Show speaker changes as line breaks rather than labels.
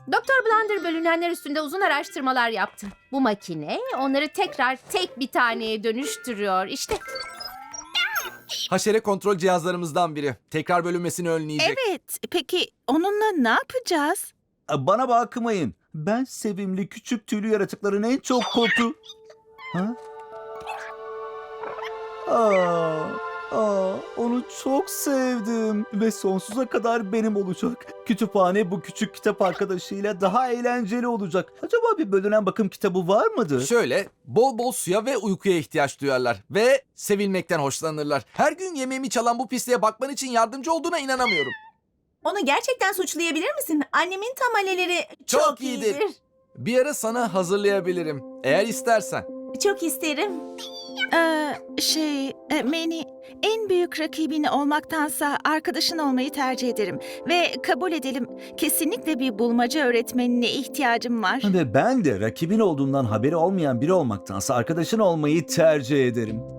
Doktor Blunder bölünenler üstünde uzun araştırmalar yaptı. Bu makine onları tekrar tek bir taneye dönüştürüyor. İşte
Haşere kontrol cihazlarımızdan biri. Tekrar bölünmesini önleyecek.
Evet, peki onunla ne yapacağız?
Bana bakmayın. Ben sevimli küçük tüylü yaratıkların en çok korku... Ha? Onu çok sevdim ve sonsuza kadar benim olacak. Kütüphane bu küçük kitap arkadaşıyla daha eğlenceli olacak. Acaba bir bölünen bakım kitabı var mıdır?
Şöyle, bol bol suya ve uykuya ihtiyaç duyarlar. Ve sevilmekten hoşlanırlar. Her gün yemeğimi çalan bu pisliğe bakman için yardımcı olduğuna inanamıyorum.
Onu gerçekten suçlayabilir misin? Annemin tamaleleri
Çok iyidir. Bir ara sana hazırlayabilirim. Eğer istersen.
Çok isterim.
Manny, en büyük rakibin olmaktansa arkadaşın olmayı tercih ederim. Ve kabul edelim, kesinlikle bir bulmaca öğretmenine ihtiyacım var.
Ve ben de rakibin olduğundan haberi olmayan biri olmaktansa arkadaşın olmayı tercih ederim.